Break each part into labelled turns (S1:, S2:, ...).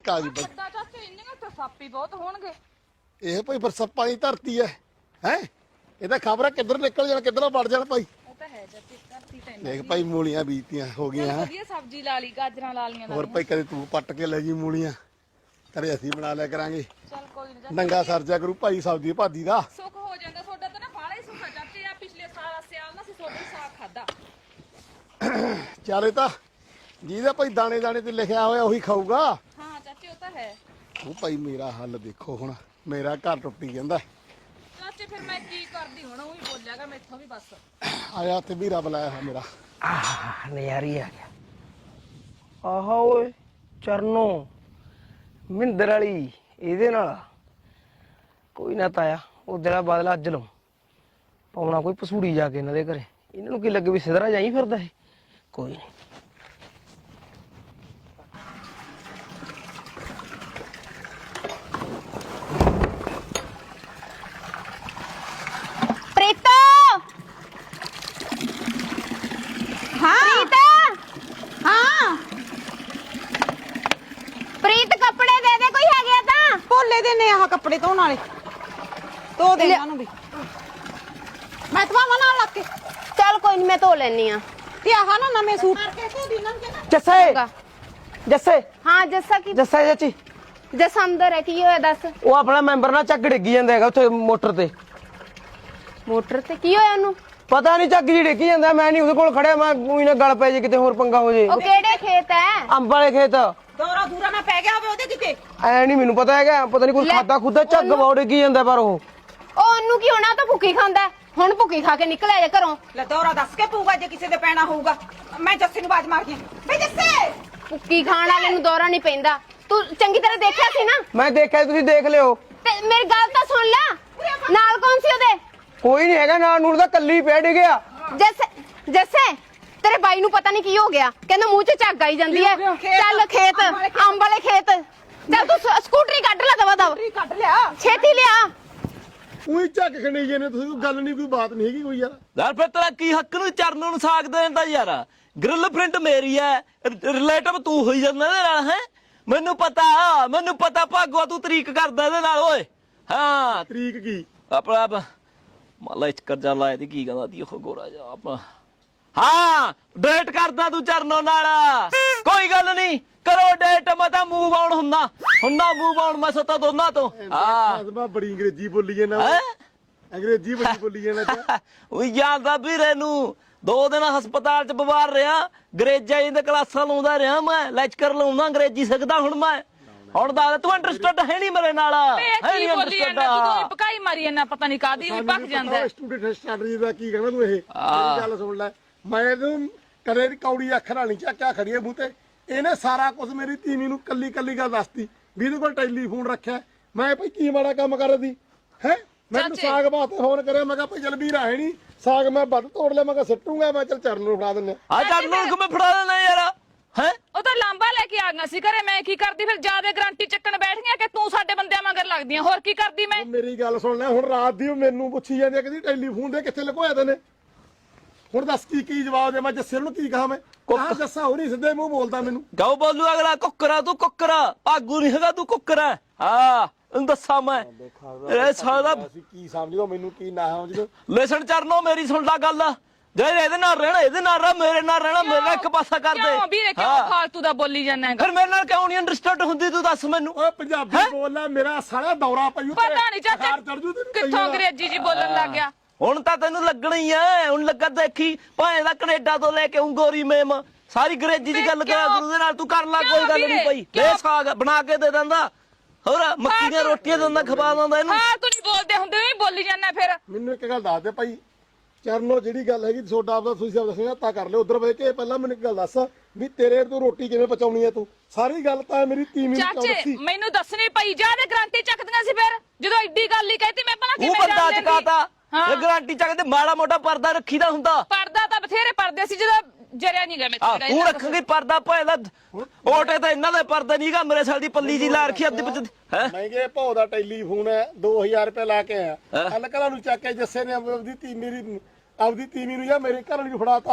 S1: ਕਾਜੀ ਬਈ
S2: ਵੱਡਾ ਚਾਚੇ ਇੰਨੀਆਂ ਤਾਂ ਸਾਪੀ ਬਹੁਤ ਹੋਣਗੇ।
S1: ਇਹ ਭਾਈ ਬਰਸੱਪਾਂ ਦੀ ਧਰਤੀ ਹੈ ਇਹਦਾ ਖਬਰ ਹੈ ਕਿੱਧਰ ਨਿਕਲ ਜਾਣਾ ਕਿੱਧਰੋਂ ਵੜ ਜਾਣਾ ਭਾਈ।
S2: ਉਹ ਤਾਂ ਹੈ ਚਾਚੇ ਧਰਤੀ ਤਾਂ
S1: ਦੇਖ ਭਾਈ ਮੂਲੀਆਂ ਬੀਜਤੀਆਂ ਹੋ ਗਈਆਂ
S2: ਵਧੀਆ ਸਬਜ਼ੀ ਲਾ ਲਈ, ਗਾਜਰਾਂ ਲਾ ਲੀਆਂ।
S1: ਹੋਰ ਭਾਈ ਕਦੇ ਤੂੰ ਪੱਟ ਕੇ ਲੈ ਜੀ ਮੂਲੀਆਂ, ਕਦੇ ਅਸੀਂ ਬਣਾ ਲਿਆ ਕਰਾਂਗੇ।
S2: ਚੱਲ ਕੋਈ ਨਾ,
S1: ਨੰਗਾ ਸਰਜਾ ਕਰੂ ਭਾਈ ਸਬਜ਼ੀ ਭਾਦੀ ਦਾ
S2: ਸੁੱਖ ਹੋ ਜਾਂਦਾ ਤੁਹਾਡਾ ਤਾਂ ਨਾ ਬਾਹਲਾ ਹੀ ਸੁੱਖ ਆ ਚਾਚੇ। ਆ ਪਿਛਲੇ ਸਾਲ ਸਿਆਲ ਨਾ ਸੀ ਤੁਹਾਡਾ ਹੀ ਸਾਗ ਖਾਦਾ।
S1: ਚਾਰੇ ਤਾਂ ਜਿਹਦਾ ਭਾਈ ਦਾਣੇ ਦਾਣੇ ਤੇ ਲਿਖਿਆ ਹੋਇਆ ਉਹੀ ਖਾਊਗਾ।
S2: ਹਾਂ ਚਾਚੇ ਉਹ ਤਾਂ ਹੈ।
S1: ਉਹ ਭਾਈ ਮੇਰਾ ਹੱਲ ਦੇਖੋ ਹੁਣ, ਮੇਰਾ ਘਰ ਟੁੱਟੀ ਜਾਂਦਾ।
S2: ਚਾਚੇ ਫਿਰ ਮੈਂ ਕੀ ਕਰਦੀ ਹੁਣ, ਉਹ ਵੀ ਬੋਲਿਆਗਾ ਮੈਥੋਂ ਵੀ ਬਸ।
S1: ਆਇਆ ਤੇ ਵੀਰਾ ਬੁਲਾਇਆ ਹੈ ਮੇਰਾ।
S3: ਨਜ਼ਾਰੀ ਆ ਗਿਆ। ਆਹਾ ਓਏ ਚਰਨੋ ਮਿੰਦਰ ਵਾਲੀ ਇਹਦੇ ਨਾਲ ਕੋਈ ਨਾ ਤਾਇਆ ਉਹਦੇ ਦਾ ਬਦਲਾ ਅੱਜ ਲਊ। ਪਾਉਣਾ ਕੋਈ ਪਸੂੜੀ ਜਾ ਕੇ ਇਹਨਾਂ ਦੇ ਘਰੇ, ਇਹਨਾਂ ਨੂੰ ਕੀ ਲੱਗੇ ਵੀ ਸਿਧਰਾ ਜਾਈ ਫਿਰਦਾ ਇਹ। ਕੋਈ ਨਹੀਂ
S4: ਪ੍ਰੀਤਾ। ਹਾਂ ਪ੍ਰੀਤਾ। ਹਾਂ ਪ੍ਰੀਤ ਕੱਪੜੇ ਦੇ ਦੇ, ਕੋਈ ਹੈਗੇ ਤਾਂ
S5: ਭੋਲੇ ਦੇ ਨੇ ਆਹ ਕੱਪੜੇ ਧੋਣ ਵਾਲੇ, ਧੋ ਦੇ ਇਹਨਾਂ ਨੂੰ ਵੀ। ਮੈਂ ਧਵਾਵਾਂ ਨਾਲ ਲੱਗ ਕੇ।
S4: ਚੱਲ ਕੋਈ ਨਹੀਂ, ਮੈਂ ਧੋ ਲੈਣੀ ਆ।
S5: ਤੇ ਆਹ ਨਾ ਨਵੇਂ ਸੂਟ
S3: ਜੱਸੇ ਜੱਸੇ
S4: ਹਾਂ ਜੱਸਾ ਕੀ
S3: ਜੱਸਾ ਚਾਚੀ
S4: ਜੱਸ ਅੰਦਰ ਹੈ, ਕੀ ਹੋਇਆ ਦੱਸ।
S3: ਉਹ ਆਪਣਾ ਮੈਂਬਰ ਨਾਲ ਚੱਕ ਡਿੱਗੀ ਜਾਂਦਾ ਹੈਗਾ ਉੱਥੇ ਮੋਟਰ ਤੇ।
S4: ਮੋਟਰ ਤੇ ਕੀ ਹੋਇਆ ਉਹਨੂੰ?
S3: ਪਤਾ ਨਹੀਂ ਚੱਕ ਜੀ ਡਿੱਗੀ ਜਾਂਦਾ, ਮੈਂ ਨਹੀਂ ਉਹਦੇ ਕੋਲ ਖੜਿਆ, ਮੈਂ ਉਹੀ ਨਾ ਗਲ ਪੈ ਜੇ ਕਿਤੇ ਹੋਰ ਪੰਗਾ ਹੋ ਜੇ।
S4: ਉਹ ਕਿਹੜੇ ਖੇਤ ਹੈ?
S3: ਅੰਬ ਵਾਲੇ ਖੇਤ।
S5: ਦੌਰਾ ਦੂਰਾ ਨਾ ਪੈ ਗਿਆ ਹੋਵੇ ਉਹਦੇ ਕਿਤੇ।
S3: ਐ ਨਹੀਂ ਮੈਨੂੰ ਪਤਾ ਹੈਗਾ, ਪਤਾ ਨਹੀਂ ਕੋਈ
S4: ਲੈ,
S3: ਖਾਦਾ ਖੁਦਾ ਝੱਗ ਬੌੜ ਡਿੱਗੀ ਜਾਂਦਾ ਪਰ ਉਹ
S4: ਉਹਨੂੰ ਕੀ ਹੋਣਾ, ਤਾਂ ਭੁੱਖੀ ਖਾਂਦਾ। ਹੁਣ ਭੁੱਖੀ ਖਾ ਕੇ ਨਿਕਲਿਆ ਜੇ ਘਰੋਂ।
S5: ਲੈ ਦੌਰਾ ਦੱਸ ਕੇ ਪਊਗਾ ਜੇ ਕਿਸੇ ਦੇ ਪੈਣਾ ਹੋਊਗਾ। ਮੈਂ ਜੱਸੇ ਨੂੰ ਬਾਜ ਮਾਰਦੀ ਆਂ, ਵੇ ਜੱਸੇ।
S4: ਭੁੱਖੀ ਖਾਣ ਵਾਲੇ ਨੂੰ ਦੌਰਾ ਨਹੀਂ ਪੈਂਦਾ। ਤੂੰ ਚੰਗੀ ਤਰ੍ਹਾਂ ਦੇਖਿਆ ਸੀ ਨਾ?
S3: ਮੈਂ ਦੇਖਿਆ, ਤੁਸੀਂ ਦੇਖ ਲਿਓ।
S4: ਤੇ ਮੇਰੀ ਗੱਲ ਤਾਂ ਸੁਣ ਲੈ। ਨਾਲ ਕੌਣ ਸੀ ਉਹਦੇ?
S3: ਕੋਈ ਨਹੀਂ ਹੈਗਾ, ਨਾਲ ਨੂਰ ਦਾ ਕੱਲੀ ਪਿਆ ਡਿੱਗਿਆ।
S4: ਜੱਸੇ ਜੱਸੇ ਤੇਰੇ ਬਾਈ ਨੂੰ ਪਤਾ ਨਹੀਂ ਕੀ ਹੋ ਗਿਆ, ਕਹਿੰਦਾ ਮੂੰਹ 'ਚ ਝੱਗ ਆਈ ਜਾਂਦੀ ਹੈ। ਚੱਲ ਖੇਤ, ਅੰਬ ਵਾਲੇ ਖੇਤ। ਚੱਲ ਤੂੰ ਸਕੂਟਰੀ ਕੱਢ ਲੈ ਦਵਾ ਦਵ,
S5: ਕੱਢ ਲਿਆ
S4: ਛੇਤੀ ਲਿਆ।
S1: ਉਹੀ ਝੱਕ ਖਣੀ ਜੇ ਨੇ ਤੁਸੀਂ, ਕੋਈ ਗੱਲ ਨਹੀਂ ਕੋਈ ਬਾਤ ਨਹੀਂ ਹੈਗੀ ਕੋਈ ਯਾਰ।
S6: ਯਾਰ ਫਿਰ ਤੇਰਾ ਕੀ ਹੱਕ ਨੂੰ ਚਰਨੋਂ ਨੂੰ ਸਾਗ ਦੇਣ ਦਾ ਯਾਰ? ਗ੍ਰਿਲ ਪ੍ਰਿੰਟ ਮੇਰੀ ਐ, ਰਿਲੇਟਿਵ ਤੂੰ ਹੋਈ ਜਾਂਦਾ ਇਹਦੇ ਨਾਲ ਹੈ। ਮੈਨੂੰ ਪਤਾ ਭਾਗਵਾ ਤੂੰ ਤਰੀਕ ਕਰਦਾ ਇਹਦੇ ਨਾਲ ਓਏ। ਹਾਂ
S1: ਤਰੀਕ ਕੀ
S6: ਆਪਣਾ ਮਾਲਾ ਇਸ ਕਰਜਾ ਲਾਇਆ ਤੇ ਕੀ ਕਹਿੰਦਾ ਦੀ ਉਹ ਗੋਰਾ ਜਾ ਆਪਣਾ। ਹਾਂ ਡੇਟ ਕਰਦਾ ਤੂੰ ਚਰਨੋਂ ਨਾਲ, ਕੋਈ ਗੱਲ ਨਹੀਂ ਕਰੋ ਡੇਟ। ਮੈਂ ਤਾਂ ਮੂਵ ਆਉਣ ਹੁੰਦਾ ਮੂਵ ਆਉਣ ਮੈਂ ਸਤਾ ਦੋਨਾਂ ਤੋਂ। ਹਾਂ
S1: ਮੈਂ ਬੜੀ ਅੰਗਰੇਜ਼ੀ ਬੋਲੀ ਜਾਂਦਾ, ਅੰਗਰੇਜ਼ੀ ਬੜੀ ਬੋਲੀ ਜਾਂਦਾ।
S6: ਉਹ ਜਾਂਦਾ ਵੀਰੇ ਨੂੰ 2 ਦਿਨ ਹਸਪਤਾਲ ਚ ਬਿਮਾਰ ਰਿਹਾ, ਅੰਗਰੇਜ਼ਾਂ ਦੀ ਕਲਾਸਾਂ ਲਾਉਂਦਾ ਰਿਹਾ, ਮੈਂ ਲੈਕਚਰ ਲਾਉਂਦਾ ਅੰਗਰੇਜ਼ੀ ਸਿੱਖਦਾ ਹੁਣ ਮੈਂ। ਹੁਣ ਦੱਸ ਤੂੰ ਇੰਟਰਸਟਡ ਹੈ ਨਹੀਂ ਮੇਰੇ ਨਾਲ?
S2: ਹੈ ਨਹੀਂ ਬੋਲੀ ਜਾਂਦਾ ਤੂੰ, ਕੋਈ ਪਕਾਈ ਮਾਰੀ ਜਾਂਦਾ, ਪਤਾ ਨਹੀਂ ਕਾਦੀ ਵੀ ਭੱਜ ਜਾਂਦਾ।
S1: ਸਟੂਡੈਂਟ ਸਟੱਡੀ ਦਾ ਕੀ ਕਹਿਣਾ ਤੂੰ? ਇਹ ਗੱਲ ਸੁਣ ਲੈ, ਮੈਂ ਤੂੰ ਕਦੇ ਦੀ ਕੌੜੀ ਅੱਖ ਨਾਲ ਨਹੀਂ ਚੱਕਿਆ ਖੜੀਏ ਮੂੰਹ ਤੇ। ਇਹਨੇ ਸਾਰਾ ਕੁਝ ਮੇਰੀ ਤੀਵੀਂ ਨੂੰ ਕੱਲੀ ਕੱਲੀ ਗੱਲ ਦੱਸਤੀ ਵੀ ਇਹਦੇ ਕੋਲ ਟੈਲੀਫੋਨ ਰੱਖਿਆ। ਮੈਂ ਭਾਈ ਕੀ ਮਾੜਾ ਕੰਮ ਕਰਦੀ ਹੈ? ਮੈਨੂੰ ਸਾਗ ਬਾਤ ਫੋਨ ਕਰਿਆ, ਮੈਂ ਕਿਹਾ ਭਾਈ ਜਲ ਵੀਰ ਆਏ ਨਹੀਂ ਸਾਗ, ਮੈਂ ਵੱਧ ਤੋੜ ਲਿਆ, ਮੈਂ ਕਿਹਾ ਸਿੱਟੂਗਾ, ਮੈਂ ਚੱਲ ਚਰਨ ਨੂੰ ਫੜਾ ਦਿੰਨੇ।
S6: ਆ ਚਰਨੋਂ ਨੂੰ ਮੈਂ ਫੜਾ ਦੇਣਾ ਯਾਰ ਹੈ।
S2: ਉਹ ਤਾਂ ਲਾਂਬਾ ਲੈ ਕੇ ਆ ਗਿਆ ਸੀ ਘਰੇ, ਮੈਂ ਕੀ ਕਰਦੀ ਫਿਰ? ਜਿਆਦਾ ਗਰੰਟੀ ਚੱਕਣ ਬੈਠ ਗਿਆ ਕਿ ਤੂੰ ਸਾਡੇ ਬੰਦਿਆਂ ਮਗਰ ਲੱਗਦੀਆਂ, ਹੋਰ ਕੀ ਕਰਦੀ ਮੈਂ?
S1: ਮੇਰੀ ਗੱਲ ਸੁਣ ਲੈ, ਹੁਣ ਰਾਤ ਦੀ ਉਹ ਮੈਨੂੰ ਪੁੱਛੀ ਜਾਂਦੀ ਆ, ਕਹਿੰਦੀ ਟੈਲੀਫੋਨ ਦੇ ਕਿੱਥੇ ਲੁਕੋਇਆ ਤੈਨੇ। ਹੁਣ ਦੱਸ ਕੀ ਜਵਾਬ ਦੇ ਮੈਂ ਜੱਸੇ ਨੂੰ? ਕੀ ਕਹਾਂ ਮੈਂ? ਕਹਾਂ ਜੱਸਾ ਹੋ ਨਹੀਂ ਸਿੱਧੇ ਮੂੰਹ ਬੋਲਦਾ ਮੈਨੂੰ।
S6: ਗਾਉ ਬੋਲੂ ਅਗਲਾ ਕੁੱਕਰਾ, ਤੂੰ ਕੁੱਕਰਾ ਆਗੂ ਨਹੀਂ ਹੈਗਾ, ਤੂੰ ਕੁੱਕਰਾ। ਹਾਂ ਤੈਨੂੰ ਦੱਸਾਂ ਮੈਂ ਇਹ ਸਾਲਾ
S1: ਕੀ ਸਮਝਦਾ ਮੈਨੂੰ, ਕੀ ਨਾ ਸਮਝਦਾ।
S6: ਲੈਸਨ ਚਰਨੋਂ ਮੇਰੀ ਸੁਣ ਲੈ ਗੱਲ। ਜੇ ਇਹਦੇ ਨਾਲ ਰਹਿਣਾ ਇਹਦੇ ਨਾਲ ਰਹਿ, ਮੇਰੇ ਨਾਲ ਰਹਿਣਾ ਮੇਰੇ ਨਾਲ ਇੱਕ ਪਾਸਾ ਕਰ ਦੇ।
S2: ਕਿਉਂ ਵੀਰੇ ਕਿਉਂ ਫਾਲਤੂ ਦਾ ਬੋਲੀ ਜਾਂਦਾ ਹੈਗਾ?
S6: ਫਿਰ ਮੇਰੇ ਨਾਲ ਕਿਉਂ ਨਹੀਂ ਅੰਡਰਸਟੈਂਡ ਹੁੰਦੀ ਤੂੰ ਦੱਸ ਮੈਨੂੰ?
S1: ਓਏ ਪੰਜਾਬੀ ਬੋਲ ਲੈ, ਮੇਰਾ ਸਾਲਾ ਦੌਰਾ ਪਈਓ।
S2: ਪਤਾ ਨਹੀਂ ਚਾਚਾ ਕਿੱਥੋਂ ਅੰਗਰੇਜ਼ੀ ਜੀ ਬੋਲਣ ਲੱਗ ਗਿਆ।
S6: ਹੁਣ ਤਾਂ ਤੈਨੂੰ ਲੱਗਣਾ ਹੀ ਐ, ਹੁਣ ਲੱਗਾ ਦੇਖੀ ਭਾਵੇਂ ਦਾ ਕੈਨੇਡਾ ਤੋਂ ਲੈ ਕੇ ਉਂਗੋਰੀ ਮੇਮ ਸਾਰੀ ਅੰਗਰੇਜ਼ੀ ਦੀ ਗੱਲ ਕਰਿਆ ਗੁਰੂ ਦੇ ਨਾਲ। ਤੂੰ ਕਰ ਲੈ, ਕੋਈ ਗੱਲ ਨਹੀਂ ਪਈ। ਇਹ ਸਾਗ ਬਣਾ ਕੇ ਦੇ ਦਿੰਦਾ, ਹੋਰ ਮੱਕੀ ਦੀਆਂ ਰੋਟੀਆਂ ਦਿੰਦਾ, ਖਵਾ ਦਿੰਦਾ ਇਹਨੂੰ।
S2: ਹਾਂ ਤੂੰ ਨਹੀਂ ਬੋਲਦੇ ਹੁੰਦੇ ਵੀ ਬੋਲੀ ਜਾਂਦਾ ਫਿਰ।
S1: ਮੈਨੂੰ ਇੱਕ ਗੱਲ ਦੱਸ ਦੇ ਭਾਈ ਚਰਨੋ, ਜਿਹੜੀ ਗੱਲ ਹੈਗੀ ਤੁਹਾਡਾ ਆਪਦਾ ਤੁਸੀਂ ਆਪ ਦੱਸਣਾ ਤਾਂ ਕਰ ਲਿਓ ਉਧਰ ਬਹਿ ਕੇ। ਪਹਿਲਾਂ ਮੈਨੂੰ ਇੱਕ ਗੱਲ ਦੱਸ ਵੀ ਤੇਰੇ ਤੋਂ ਰੋਟੀ ਕਿਵੇਂ ਪਚਾਉਣੀ ਹੈ ਤੂੰ? ਸਾਰੀ ਗੱਲ ਤਾਂ ਮੇਰੀ ਤੀਵੀਂ ਨੂੰ ਕਿਉਂ
S2: ਚਾਚੇ
S1: ਦੱਸੀ?
S2: ਮੈਨੂੰ ਦੱਸਣੀ ਪਈ, ਜਿਆਦਾ ਗਰੰਟੀ ਚੱਕਦੀਆਂ ਸੀ ਫਿਰ ਜਦੋਂ ਐਡੀ ਗੱਲ ਹੀ ਕਹਿਤੀ। ਮੈਂ ਭਲਾ
S6: ਉਹ
S2: ਕਿਵੇਂ
S6: ਬੰਦਾ
S2: ਜਾਣ
S6: ਚਕਾਤਾ
S2: ਹਾਂ।
S6: ਇਹ ਗਾਰੰਟੀ ਚੱਕਦੇ ਮਾੜਾ ਮੋਟਾ ਪਰਦਾ ਰੱਖੀਦਾ ਹੁੰਦਾ।
S2: ਪਰਦਾ ਤਾਂ ਬਥੇਰੇ ਪਰਦੇ ਸੀ ਜਦੋਂ ਜਰਿਆ ਨਹੀਂ ਗਿਆ ਮੈਂ
S6: ਆ ਤੂੰ ਰੱਖਾਂਗੀ ਪਰਦਾ ਭਾਵੇਂ ਦਾ ਓਟੇ ਤੇ ਇਹਨਾਂ ਦੇ ਪਰਦਾ ਨਹੀਂਗਾ, ਮੇਰੇ ਸਾਲ ਦੀ ਪੱਲੀ ਜੀ ਲਾ ਰੱਖੀ ਅੱਧੀ ਵਿੱਚ ਹੈ।
S1: ਮਹਿੰਗੇ ਭਾਅ ਦਾ ਟੈਲੀਫੋਨ ਹੈ, 2000 ਰੁਪਏ ਲਾ ਕੇ ਆਇਆ। ਕੱਲ ਘਰਾਂ ਨੂੰ ਚੱਕ ਕੇ ਜੱਸੇ ਨੇ ਆਪਦੀ ਤੀਵੀਂ ਨੂੰ ਜਾਂ ਮੇਰੇ ਘਰ ਵਾਲੀ ਨੂੰ ਫੜਾਤਾ।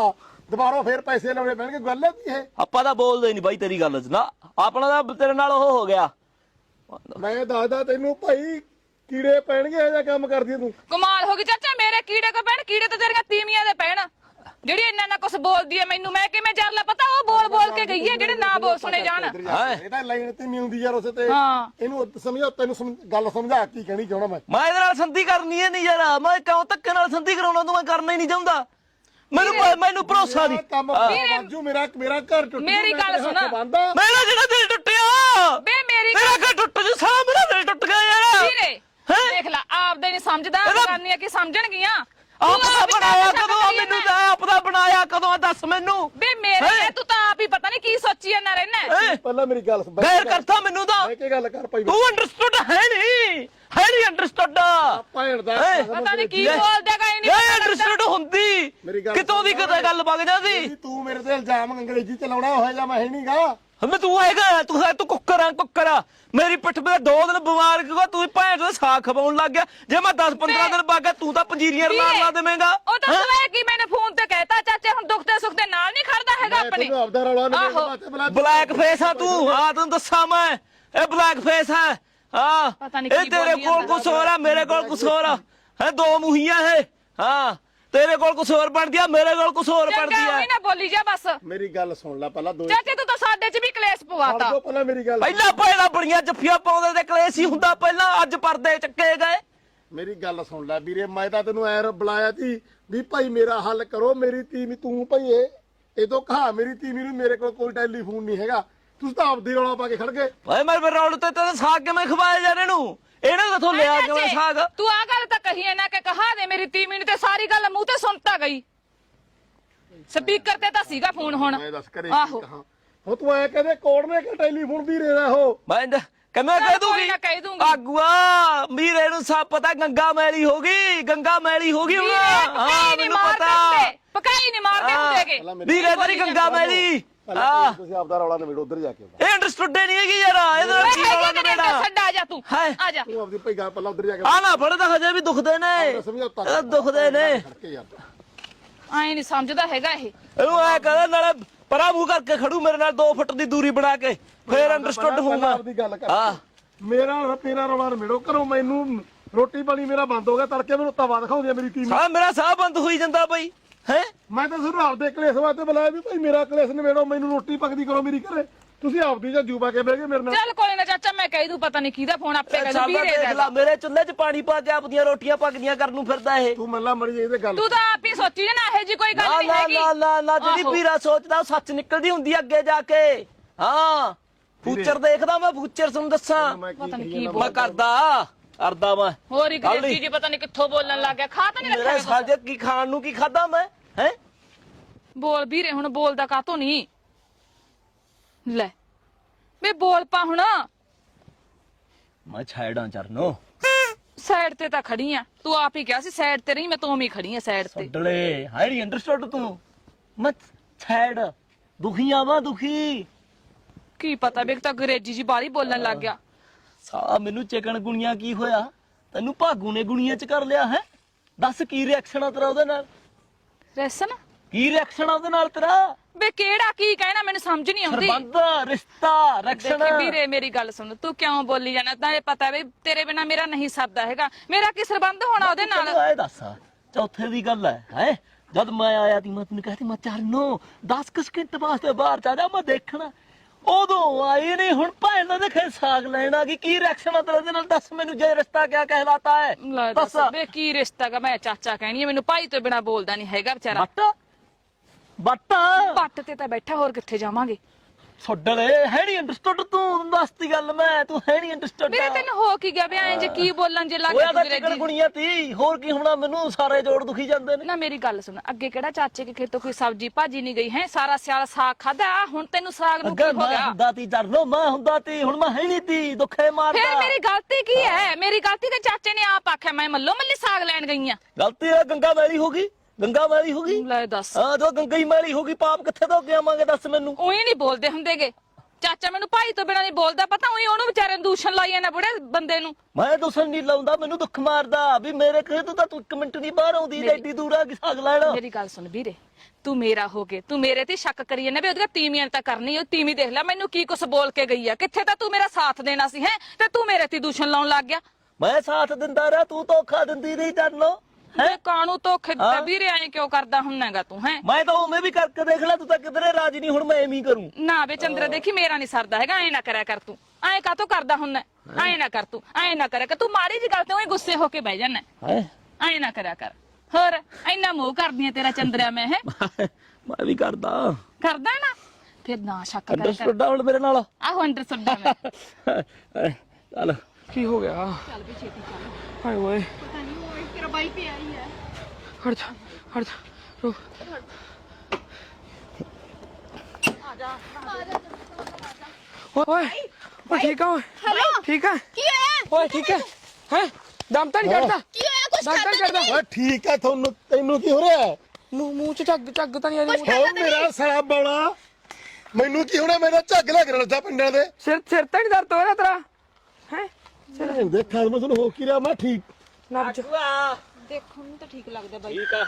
S1: ਦੁਬਾਰਾ ਫੇਰ ਪੈਸੇ ਲਾਉਣੇ ਪੈਣਗੇ, ਗੱਲ ਹੈ ਕੀ ਇਹ?
S6: ਆਪਾਂ ਤਾਂ ਬੋਲਦੇ ਨਹੀਂ ਬਾਈ ਤੇਰੀ ਗੱਲ 'ਚ ਨਾ, ਆਪਣਾ ਤਾਂ ਤੇਰੇ ਨਾਲ ਉਹ ਹੋ ਗਿਆ।
S1: ਮੈਂ ਦੱਸਦਾ ਤੈਨੂੰ ਭਾਈ, ਕੀੜੇ ਪੈਣਗੇ ਇਹ ਜਿਹਾ ਕੰਮ ਕਰਦੀ ਤੂੰ।
S2: ਕਮਾਲ ਹੋ ਗਈ ਚਾਚਾ, ਮੇਰੇ ਕੀੜੇ ਕੋ ਪੈਣ? ਕੀੜੇ ਤਾਂ ਤੇਰੀਆਂ ਤੀਵੀਆਂ ਦੇ ਪੈਣ, ਜਿਹੜੀ ਇੰਨਾ ਕੁਛ ਬੋਲਦੀ ਐ ਮੈਨੂੰ। ਮੈਂ ਕਿਵੇਂ ਜਰ ਲਾ ਪਤਾ, ਉਹ ਬੋਲ ਬੋਲ ਕੇ ਗਈ ਐ, ਜਿਹੜੇ ਨਾ ਬੋਲ ਸੁਣੇ ਜਾਣ।
S1: ਇਹ ਤਾਂ ਲਾਈਨ ਤੇ ਨਹੀਂ ਹੁੰਦੀ ਯਾਰ ਉਸੇ ਤੇ।
S2: ਹਾਂ।
S1: ਇਹਨੂੰ ਸਮਝਾ, ਤੈਨੂੰ ਗੱਲ ਸਮਝਾ ਕੀ ਕਹਿਣੀ ਚਾਹਣਾ ਮੈਂ।
S6: ਮੈਂ ਇਹਦੇ ਨਾਲ ਸੰਧੀ ਕਰਨੀ ਹੈ ਨਹੀਂ ਯਾਰ, ਮੈਂ ਕਿਉਂ ਧੱਕੇ ਨਾਲ ਸੰਧੀ ਕਰਾਉਣਾ ਤੂੰ? ਮੈਂ ਕਰਨਾ ਹੀ ਨਹੀਂ ਚਾਹੁੰਦਾ, ਮੈਨੂੰ ਭਰੋਸਾ ਨਹੀਂ।
S1: ਕੰਮ ਬਾਜੂ ਮੇਰਾ ਘਰ ਟੁੱਟ
S2: ਮੇਰੀ ਗੱਲ ਸੁਣ।
S6: ਮੇਰਾ ਜਿਹੜਾ ਦਿਲ ਟੁੱਟਿਆ,
S2: ਬੇ ਮੇਰੀ
S6: ਮੇਰਾ ਘਰ ਟੁੱਟ ਜੂ, ਸਾਰਾ ਮੇਰਾ ਦਿਲ ਟੁੱਟ ਗਿਆ ਯਾਰ।
S2: ਵੀਰੇ ਦੇਖ ਲੈ, ਆਪਦੇ ਨਹੀਂ ਸਮਝਦਾ, ਕਰਨੀਆਂ ਕੀ ਸਮਝਣਗੀਆਂ?
S6: ਆਪ ਦਾ ਬਣਾਇਆ ਕਦੋਂ ਆ? ਮੈਨੂੰ ਤਾਂ ਆਪ ਦਾ ਬਣਾਇਆ ਕਦੋਂ ਆ? ਦੱਸ ਮੈਨੂੰ।
S2: ਬੇ ਮੇਰੇ ਤੂੰ ਤਾਂ ਆਪ ਹੀ ਪਤਾ ਨਹੀਂ ਕੀ ਸੋਚੀ ਜਾਂਦਾ ਰਹਿਣਾ।
S1: ਪਹਿਲਾਂ ਮੇਰੀ ਗੱਲ ਸੁਣ।
S6: ਗੈਰ ਕਰਤਾ ਮੈਨੂੰ ਤਾਂ।
S1: ਮੈਂ ਕੀ ਗੱਲ ਕਰ ਭਾਈ,
S6: ਤੂੰ ਅੰਡਰਸਟੂਡ ਹੈ ਨਹੀਂ ਅੰਡਰਸਟੂਡ।
S1: ਭੈਣ ਦਾ
S2: ਪਤਾ ਨਹੀਂ ਕੀ ਬੋਲਦਾ ਗਏ ਨਹੀਂ
S6: ਇਹ ਅੰਡਰਸਟੂਡ ਹੁੰਦੀ ਕਿਤੋਂ ਦੀ ਕਿਤੇ ਗੱਲ ਵਗ ਜਾਂਦੀ।
S1: ਤੂੰ ਮੇਰੇ ਤੇ ਇਲਜ਼ਾਮ ਅੰਗਰੇਜ਼ੀ ਚ ਲਾਉਣਾ ਹੋਇਆ ਜਾਂ ਮੈਂ ਹੈ ਨਹੀਂਗਾ।
S6: ਮੈਂ ਤੂੰ ਹੈਗਾ, ਤੂੰ ਕੁੱਕਰ ਆ। ਮੇਰੀ ਪਿੱਠ ਤੇ 2 ਦਿਨ ਬਿਮਾਰ ਕਿਉਂ? ਤੂੰ ਭੈਣ ਦਾ ਸਾਗ ਖਵਾਉਣ ਲੱਗ ਗਿਆ। ਜੇ ਮੈਂ 10-15 ਦਿਨ ਬਾਅਦ ਤੂੰ ਤਾਂ ਪੰਜੀਰੀਆਂ ਲਾ ਦੇਵੇਂਗਾ।
S2: ਉਹ ਤਾਂ ਤੂੰ ਕੀ ਮੈਨੇ ਫੋਨ ਤੇ ਕਹਿਤਾ ਚਾਚੇ, ਹੁਣ ਦੁੱਖ ਸੁੱਖ ਦੇ ਨਾਲ ਨਹੀਂ ਖੜਦਾ ਹੈਗਾ ਆਪਣੇ।
S1: ਤੈਨੂੰ ਆਪਦਾ ਰੌਲਾ ਨਹੀਂ।
S6: ਬਲੈਕ ਫੇਸ ਆ ਤੂੰ। ਹਾਂ ਤੈਨੂੰ ਦੱਸਾਂ ਮੈਂ, ਇਹ ਬਲੈਕ ਫੇਸ ਹੈ। ਹਾਂ
S2: ਪਤਾ ਨੀ
S6: ਇਹ
S2: ਕੀ
S6: ਤੇਰੇ
S2: ਬੋਲੀ
S6: ਕੋਲ ਕੁਛ ਹੋਰ ਆ, ਮੇਰੇ ਕੋਲ ਕੁਛ ਹੋਰ ਆ। ਹੈ 2 ਮੂਹੀਆਂ ਇਹ। ਹਾਂ ਤੇਰੇ ਕੋਲ ਕੁਛ ਹੋਰ ਬਣਦੀ ਆ, ਮੇਰੇ ਕੋਲ ਕੁਛ ਹੋਰ ਬਣਦੀ
S2: ਚੰਗਾ
S6: ਆ।
S2: ਉਹੀ ਨਾ ਬੋਲੀ ਜਾ ਬਸ।
S1: ਮੇਰੀ ਗੱਲ ਸੁਣ ਲੈ ਪਹਿਲਾਂ।
S2: ਚਾਚੇ ਤੂੰ ਤਾਂ ਸਾਡੇ 'ਚ ਵੀ ਕਲੇਸ਼ ਪਵਾਤਾ।
S1: ਪਹਿਲਾਂ ਮੇਰੀ ਗੱਲ
S6: ਪਹਿਲਾਂ ਬੜੀਆਂ ਜੱਫੀਆਂ ਪਾਉਂਦੇ ਤੇ ਕਲੇਸ਼ ਹੀ ਹੁੰਦਾ ਪਹਿਲਾਂ, ਅੱਜ ਪਰਦੇ ਚੱਕੇ ਗਏ।
S1: ਮੇਰੀ ਗੱਲ ਸੁਣ ਲੈ ਵੀਰੇ, ਮੈਂ ਤਾਂ ਤੈਨੂੰ ਐ ਬੁਲਾਇਆ ਸੀ ਵੀ ਭਾਈ ਮੇਰਾ ਹੱਲ ਕਰੋ। ਮੇਰੀ ਤੀਵੀਂ ਤੂੰ ਭਾਈ ਇਹ ਤੋਂ ਕਹਾ, ਮੇਰੀ ਤੀਵੀਂ ਨੂੰ ਮੇਰੇ ਕੋਲ ਕੋਈ ਟੈਲੀਫੋਨ ਨਹੀਂ ਹੈਗਾ। ਤੁਸੀਂ ਤਾਂ ਆਪਦੀ ਰੌਲਾ ਪਾ ਕੇ ਖੜ ਗਏ।
S6: ਓਏ ਮੈਂ ਰੌਲ ਤੇ ਸਾਗ ਕਿਵੇਂ ਖਵਾਇਆ ਜਾ ਇਹਨੂੰ? ਇਹਨਾਂ ਕਿਥੋਂ ਲਿਆ ਕਿਵੇਂ ਸਾਗ?
S2: ਤੂੰ ਆ ਗੱਲ ਤਾਂ ਕਹੀ ਨਾ ਕਿ ਕਹਾ ਦੇ ਮੇਰੀ ਤੀਵੀਂ ਨੂੰ, ਤੇ ਸਾਰੀ ਗੱਲ ਮੂੰਹ ਤੇ ਸੁਣਤਾ ਗਈ। ਸਪੀਕਰ ਤੇ ਤਾਂ ਸੀਗਾ ਫੋਨ ਹੁਣ।
S1: ਮੈਂ ਦੱਸ ਕਰੇ
S2: ਆਹੋ।
S1: ਕੀ ਕਹਾਂ। ਹੁਣ ਤੂੰ ਐ ਕਹਦੇ ਕੋੜ ਨੇ ਕਿ ਟੈਲੀਫੋਨ ਵੀਰੇ ਦਾ ਉਹ।
S6: ਮੈਂ ਕਿਵੇਂ ਕਹਿ ਦੂੰਗੀ?
S2: ਕਹਿ ਦੂੰਗੀ।
S6: ਆਗੂਆ ਵੀਰੇ ਨੂੰ ਸਭ ਪਤਾ, ਗੰਗਾ ਮੈਲੀ ਹੋ ਗਈ, ਗੰਗਾ ਮੈਲੀ ਹੋ ਗਈ ਹੁਣ। ਹਾਂ ਮੈਨੂੰ ਪਤਾ,
S2: ਪਕਾਈ ਨਹੀਂ ਮਾਰਦੇ ਹੁੰਦੇਗੇ
S6: ਵੀਰੇ ਤੇਰੀ ਗੰਗਾ ਮੈਲੀ। ਹਾਂ
S1: ਤੁਸੀਂ ਆਪਦਾ ਰੌਲਾ ਨਿਬੇੜੋ, ਉਧਰ ਜਾ ਕੇ।
S6: ਇਹ ਅੰਡਰਸਟੂਡ ਨਹੀਂ ਹੈਗੀ ਯਾਰ, ਇਹਦੇ ਨਾਲ ਕੀ ਰੌਲਾ ਨਿਬੇੜਾ?
S2: ਛੱਡ ਆ ਜਾ ਤੂੰ, ਆ ਜਾ।
S1: ਤੂੰ ਆਪਦੀ ਭਾਈ ਗੱਲ ਪਹਿਲਾਂ ਉਧਰ ਜਾ ਕੇ
S6: ਆ ਨਾ ਫੜਦਾ, ਹਜੇ ਵੀ ਦੁਖਦੇ ਨੇ, ਇਹ ਦੁਖਦੇ ਨੇ।
S2: ਆਏ ਨਹੀਂ ਸਮਝਦਾ ਹੈਗਾ ਇਹ।
S6: ਇਹਨੂੰ ਐ ਕਹਿੰਦਾ ਨਾਲੇ ਪਰਾਂ ਮੂੰਹ ਕਰਕੇ ਖੜੂ ਮੇਰੇ ਨਾਲ 2 ਫੁੱਟ ਦੀ ਦੂਰੀ ਬਣਾ ਕੇ, ਫੇਰ ਅੰਡਰਸਟੂਡ ਹੋਊਗਾ।
S1: ਆਪਦੀ ਗੱਲ ਕਰ। ਮੇਰਾ ਤੇਰਾ ਰੌਲਾ ਨਿਬੇੜੋ ਕਰੋ। ਮੈਨੂੰ ਰੋਟੀ ਪਾਣੀ ਮੇਰਾ ਬੰਦ ਹੋ ਗਿਆ, ਤੜਕੇ ਮੈਨੂੰ ਤਵਾ ਦਿਖਾਉਂਦੀ ਆ ਮੇਰੀ ਟੀਮ।
S6: ਸਾਹ ਮੇਰਾ ਸਾਹ ਬੰਦ ਹੋਈ ਜਾਂਦਾ ਬਈ। ਹੈ
S1: ਮੈਂ ਤਾਂ ਸਿਰਫ ਆਪਦੇ ਕਲੇਸ਼ ਵਾਸਤੇ ਬੁਲਾਇਆ ਵੀ ਭਾਈ ਮੇਰਾ ਕਲੇਸ਼ ਨਿਬੇੜੋ, ਮੈਨੂੰ ਰੋਟੀ ਪੱਕਦੀ ਕਰੋ ਮੇਰੀ ਘਰੇ। ਤੁਸੀਂ ਆਪਦੀ ਜਾਂ ਜੂਬਾ ਕੇ ਬਹਿ ਗਏ ਮੇਰੇ ਨਾਲ।
S2: ਚੱਲ ਕੋਈ ਨਾ ਚਾਚਾ, ਮੈਂ ਕਹਿ ਦੂੰ, ਪਤਾ ਨਹੀਂ ਕਿਹਦਾ ਫੋਨ ਆਪੇ ਕਹਿ ਦੂੰ ਵੀਰੇ ਦਾ।
S6: ਮੇਰੇ ਚੁੱਲ੍ਹੇ 'ਚ ਪਾਣੀ ਪਾ ਕੇ ਆਪਦੀਆਂ ਰੋਟੀਆਂ ਪੱਕਦੀਆਂ ਕਰਨ ਨੂੰ ਫਿਰਦਾ ਇਹ।
S1: ਤੂੰ ਮੱਲਾ ਮਰੀ ਇਹਦੇ ਗੱਲ।
S2: ਤੂੰ ਤਾਂ ਆਪ ਹੀ ਸੋਚੀ ਨਾ, ਇਹ ਜੀ ਕੋਈ ਗੱਲ ਨਹੀਂ ਹੈਗੀ।
S6: ਨਾ ਜਿਹੜੀ ਵੀਰਾ ਸੋਚਦਾ ਉਹ ਸੱਚ ਨਿਕਲਦੀ ਹੁੰਦੀ ਆ ਅੱਗੇ ਜਾ ਕੇ। ਹਾਂ ਫੂਚਰ ਦੇਖਦਾ ਮੈਂ, ਫੂਚਰ ਤੁਹਾਨੂੰ ਦੱਸਾਂ
S2: ਪਤਾ ਨਹੀਂ ਕੀ
S6: ਮੈਂ ਕਰਦਾ ਮੈਂ।
S2: ਹੋਰ ਇੱਕ ਅੰਗਰੇਜ਼ੀ ਜੀ ਪਤਾ ਨਹੀਂ ਕਿੱਥੋਂ ਬੋਲਣ ਲੱਗ ਗਿਆ। ਖਾ ਤਾਂ ਨਹੀਂ
S6: ਮੇਰੇ
S2: ਰੱਖਿਆ
S6: ਸਾਜੇ ਕੀ ਖਾਣ ਨੂੰ ਕੀ ਖਾਦਾ ਮੈਂ? ਹੈ
S2: ਬੋਲ ਵੀਰੇ, ਹੁਣ ਬੋਲਦਾ ਕਾਤੋਂ ਨਹੀਂ? ਲੈ ਵੇ ਬੋਲ ਪਾ ਹੁਣ।
S6: ਮੈਂ ਛਾਇੜਾਂ ਚਰਨੋ,
S2: ਸਾਈਡ ਤੇ ਤਾਂ ਖੜੀ ਆ। ਤੂੰ ਆਪ ਹੀ ਕਿਹਾ ਸੀ ਸਾਈਡ ਤੇ ਨਹੀਂ, ਮੈਂ ਤੂੰ ਵੀ ਖੜੀ ਆ ਸਾਈਡ ਤੇ।
S6: ਛੱਡਲੇ ਹਾਈ ਨਹੀਂ ਅੰਡਰਸਟੂਡ ਤੂੰ। ਮੈਂ ਛਾਇੜ ਦੁਖੀਆਂ ਵਾ, ਦੁਖੀ।
S2: ਕੀ ਪਤਾ ਵੇ ਤਾਂ ਅੰਗਰੇਜ਼ੀ ਜੀ ਬਾਰੀ ਬੋਲਣ ਲੱਗ ਗਿਆ।
S6: ਸਾ ਮੈਨੂੰ ਚਿਕਨ ਗੁਣੀਆਂ ਕੀ ਹੋਇਆ? ਤੈਨੂੰ ਭਾਗੂ ਨੇ ਗੁਣੀਆਂ 'ਚ ਕਰ ਲਿਆ ਹੈ? ਦੱਸ ਕੀ ਰਿਐਕਸ਼ਨ ਆ ਤੇਰਾ ਉਹਦੇ ਨਾਲ?
S2: ਰੈਸਨ
S6: ਕੀ ਰਿਐਕਸ਼ਨ ਆ ਉਹਦੇ ਨਾਲ ਤੇਰਾ?
S2: ਵੇ ਕਿਹੜਾ ਕੀ ਕਹਿਣਾ, ਮੈਨੂੰ ਸਮਝ ਨਹੀਂ ਆਉਂਦੀ।
S6: ਸਰਬੰਧ ਰਿਸ਼ਤਾ ਰਿਐਕਸ਼ਨ।
S2: ਦੇਖੀ ਵੀਰੇ ਮੇਰੀ ਗੱਲ ਸੁਣ, ਤੂੰ ਕਿਉਂ ਬੋਲੀ ਜਾਣਾ? ਤਾਂ ਇਹ ਪਤਾ ਵੇ ਤੇਰੇ ਬਿਨਾ ਮੇਰਾ ਨਹੀਂ ਸਰਦਾ ਹੈਗਾ। ਮੇਰਾ ਕੀ ਸਰਬੰਧ ਹੋਣਾ ਉਹਦੇ ਨਾਲ?
S6: ਇਹ ਦੱਸ ਚੌਥੇ ਦੀ ਗੱਲ ਹੈ ਜਦ ਮੈਂ ਆਇਆ ਤੀ ਮੈਂ ਤੈਨੂੰ ਕਹਿਤੀ ਮੈਂ ਚਰਨੋ 10 ਸਕਿੰਟ ਵਾਸਤੇ ਬਾਹਰ ਚਾ ਜਾ, ਮੈਂ ਦੇਖਣਾ। ਉਦੋਂ ਆਈ ਨਹੀਂ, ਹੁਣ ਭੈਣ ਦਾ ਦੇਖੇ ਸਾਗ ਲੈਣਾ ਕੀ ਰਿਐਕਸ਼ਨ ਆ ਤੇਰੇ ਨਾਲ? ਦੱਸ ਮੈਨੂੰ, ਜੇ ਰਿਸ਼ਤਾ ਕਿਆ ਕਹਿਲਾਤਾ ਹੈ?
S2: ਲੈ ਦੱਸ ਵੇ ਕੀ ਰਿਸ਼ਤਾ ਹੈਗਾ? ਮੈਂ ਚਾਚਾ ਕਹਿਣੀ ਹੈ, ਮੈਨੂੰ ਭਾਈ ਤੋਂ ਬਿਨਾ ਬੋਲਦਾ ਨਹੀਂ ਹੈਗਾ ਵਿਚਾਰਾ। ਬੱਟ ਤੇ ਤਾਂ ਬੈਠਾ, ਹੋਰ ਕਿੱਥੇ ਜਾਵਾਂਗੇ?
S6: ਛੱਡਲੇ ਹੈ ਨਹੀਂ ਅੰਡਰਸਟੂਡ ਤੂੰ? ਦੱਸਦੀ ਗੱਲ ਮੈਂ, ਤੂੰ ਹੈ ਨਹੀਂ ਅੰਡਰਸਟੂਡ।
S2: ਵੀਰੇ ਤੈਨੂੰ ਹੋ ਕੀ ਗਿਆ? ਵੇ ਐਂ ਜੇ ਕੀ ਬੋਲਣ ਜੇ ਲੱਗ
S6: ਗਿਆ ਤੇਰੇ ਗੁਣੀਆਂ ਤੀ, ਹੋਰ ਕੀ ਹੋਣਾ? ਮੈਨੂੰ ਸਾਰੇ ਜੋੜ ਦੁਖੀ ਜਾਂਦੇ ਨੇ।
S2: ਨਾ ਮੇਰੀ ਗੱਲ ਸੁਣ, ਅੱਗੇ ਕਿਹੜਾ ਚਾਚੇ ਕੇ ਖੇਤੋਂ ਕੋਈ ਸਬਜ਼ੀ ਭਾਜੀ ਨਹੀਂ ਗਈ ਹੈ? ਸਾਰਾ ਸਿਆਲ ਸਾਗ ਖਾਦਾ, ਹੁਣ ਤੈਨੂੰ ਸਾਗ ਨੂੰ ਕੀ ਹੋ ਗਿਆ?
S6: ਹੁੰਦਾ ਤੀ ਚਰਨੋ, ਮੈਂ ਹੁੰਦਾ ਤੀ, ਹੁਣ ਮੈਂ ਹੈ ਨਹੀਂ ਤੀ, ਦੁੱਖੇ ਮਾਰਦਾ।
S2: ਫਿਰ ਮੇਰੀ ਗਲਤੀ ਕੀ ਹੈ? ਮੇਰੀ ਗਲਤੀ ਤੇ ਚਾਚੇ ਨੇ ਆਪ ਆਖਿਆ ਮੈਂ ਮੱਲੋ ਮੱਲੀ ਸਾਗ ਲੈਣ ਗਈ ਆ।
S6: ਗਲਤੀ ਹੈ ਗੰਗਾ ਮੈਲੀ ਹੋ ਗਈ, ਗੰਗਾ ਮੈਲੀ ਹੋ ਗਈ।
S2: ਲੈ ਦੱਸ,
S6: ਹਾਂ ਜੋ ਗੰਗਾ ਹੀ ਮੈਲੀ ਹੋ ਗਈ, ਪਾਪ ਕਿੱਥੇ ਤੋਂ ਅੱਗੇ ਆਵਾਂਗੇ? ਦੱਸ ਮੈਨੂੰ।
S2: ਉਹੀ ਨਹੀਂ ਬੋਲਦੇ ਹੁੰਦੇਗੇ। ਚਾਚਾ ਮੈਨੂੰ ਭਾਈ ਤੋਂ ਬਿਨਾਂ ਨਹੀਂ ਬੋਲਦਾ, ਪਤਾ ਉਹੀ ਉਹਨੂੰ ਵਿਚਾਰੇ ਦੂਸ਼ਣ ਲਾਈ ਜਾਂਦਾ ਬੁੜੇ ਬੰਦੇ ਨੂੰ।
S6: ਮੈਂ ਦੂਸਣ ਨਹੀਂ ਲਾਉਂਦਾ, ਮੈਨੂੰ ਦੁੱਖ ਮਾਰਦਾ ਵੀ ਮੇਰੇ ਕਹੇ ਤੂੰ ਤਾਂ ਤੂੰ 1 ਮਿੰਟ ਨਹੀਂ ਬਾਹਰ ਆਉਂਦੀ ਐਡੀ ਦੂਰ ਆ ਕੇ ਸਾਗ ਲੈਣਾ।
S2: ਮੇਰੀ ਗੱਲ ਸੁਣ ਵੀਰੇ, ਤੂੰ ਮੇਰਾ ਹੋ ਕੇ ਤੂੰ ਮੇਰੇ ਤੇ ਸ਼ੱਕ ਕਰੀ ਜਾਂਦਾ ਵੀ ਉਹਦੀਆਂ ਤੀਵੀਆਂ ਤਾਂ ਕਰਨੀ, ਉਹ ਤੀਵੀਂ ਦੇਖ ਲੈ ਮੈਨੂੰ ਕੀ ਕੁਛ ਬੋਲ ਕੇ ਗਈ ਆ। ਕਿੱਥੇ ਤਾਂ ਤੂੰ ਮੇਰਾ ਸਾਥ ਦੇਣਾ ਸੀ ਹੈ, ਤੇ ਤੂੰ ਮੇਰੇ ਤੇ ਦੂਸ਼ਣ ਲਾਉਣ ਲੱਗ ਗਿਆ।
S6: ਮੈਂ ਸਾਥ ਦਿੰਦਾ ਰਿਹਾ, ਤੂੰ ਧੋਖਾ ਦਿੰਦੀ ਰਹੀ ਚਰਨੋ।
S2: ਹੈ ਕਾਣੂ ਧੋਖੇ ਦਿੱਤਾ ਵੀਰੇ, ਐਂ ਕਿਉਂ ਕਰਦਾ ਹੁੰਨਾਗਾ ਤੂੰ ਹੈ?
S6: ਮੈਂ ਤਾਂ ਉਵੇਂ ਵੀ ਕਰਕੇ ਦੇਖ ਲੈ, ਤੂੰ ਤਾਂ ਕਿਧਰੇ ਰਾਜੀ ਨਹੀਂ, ਹੁਣ ਮੈਂ ਐਵੇਂ ਹੀ ਕਰੂੰ।
S2: ਨਾ ਵੇ ਚੰਦਰਾ ਦੇਖੀ ਮੇਰਾ ਨਹੀਂ ਸਰਦਾ ਹੈਗਾ, ਐਂ ਨਾ ਕਰਿਆ ਕਰ ਤੂੰ। ਐਂ ਕਾਤੋਂ ਕਰਦਾ ਹੁੰਨਾ? ਐਂ ਨਾ ਕਰ ਤੂੰ, ਐਂ ਨਾ ਕਰਿਆ ਕਰ ਤੂੰ। ਮਾੜੀ ਜੀ ਗੱਲ ਤੇ ਉਹੀ ਗੁੱਸੇ ਹੋ ਕੇ ਬਹਿ ਜਾਣਾ।
S6: ਹੈ
S2: ਐਂ ਨਾ ਕਰਿਆ ਕਰ। ਹੋਰ ਇੰਨਾ ਮੋਹ ਕਰਦੀ ਆ ਤੇਰਾ ਚੰਦਰਿਆ ਮੈਂ ਹੈ?
S6: ਮੈਂ ਵੀ ਕਰਦਾ
S2: ਨਾ ਫਿਰ ਨਾ ਸ਼ੱਕ ਕਰ।
S6: ਅੰਡਰਸਟੂਡ ਹੁਣ ਮੇਰੇ ਨਾਲ।
S2: ਆਹੋ ਅੰਡਰਸਟੂਡ ਮੈਂ।
S6: ਚੱਲ
S3: ਕੀ ਹੋ ਗਿਆ?
S2: ਚੱਲ ਵੀ ਛੇਤੀ ਚੱਲ।
S3: ਹਾਏ ਓਏ
S4: ਪਤਾ ਨਹੀਂ ਓਏ ਤੇਰਾ ਬਾਈ ਪਿਆ ਹੀ ਹੈ।
S3: ਹਟ ਜਾ ਹਟ ਜਾ ਰੁਕ। ਓਏ ਓਏ ਠੀਕ ਆ ਓਏ?
S4: ਹੈਲੋ
S3: ਠੀਕ ਆ
S4: ਕੀ ਹੋਇਆ?
S3: ਓਏ ਠੀਕ ਹੈ ਹੈ? ਦਮ ਤਾਂ ਨਹੀਂ ਚੜਦਾ?
S4: ਕੀ ਹੋਇਆ? ਕੁਛ
S3: ਦਮ ਤਾਂ ਨਹੀਂ ਚੜਦਾ?
S1: ਓਏ ਠੀਕ ਹੈ, ਤੁਹਾਨੂੰ ਤੈਨੂੰ ਕੀ ਹੋ ਰਿਹਾ?
S3: ਮੂੰਹ ਚ ਝੱਗ ਤਾਂ ਨਹੀਂ ਆ ਰਹੀ?
S1: ਓ ਮੇਰਾ ਸਾਲਾ ਬੌਲਾ, ਮੈਨੂੰ ਕੀ ਹੋਣਾ? ਮੇਰਾ ਝੱਗ ਲੱਗ ਰਿਹਾ ਲੱਗਾ ਪਿੰਡਾਂ ਦੇ।
S3: ਸਿਰ ਤਾਂ ਨਹੀਂ ਦਰਦ ਹੋ ਰਿਹਾ ਤੇਰਾ ਹੈ?
S1: ਦੇਖਾਂ ਮੈਂ ਤੁਹਾਨੂੰ ਹੋ ਕੀ ਰਿਹਾ? ਮੈਂ ਠੀਕ।
S3: ਨਬਜ
S5: ਦੇਖਣ ਨੂੰ ਤਾਂ ਠੀਕ ਲੱਗਦਾ ਬਾਈ।
S6: ਠੀਕ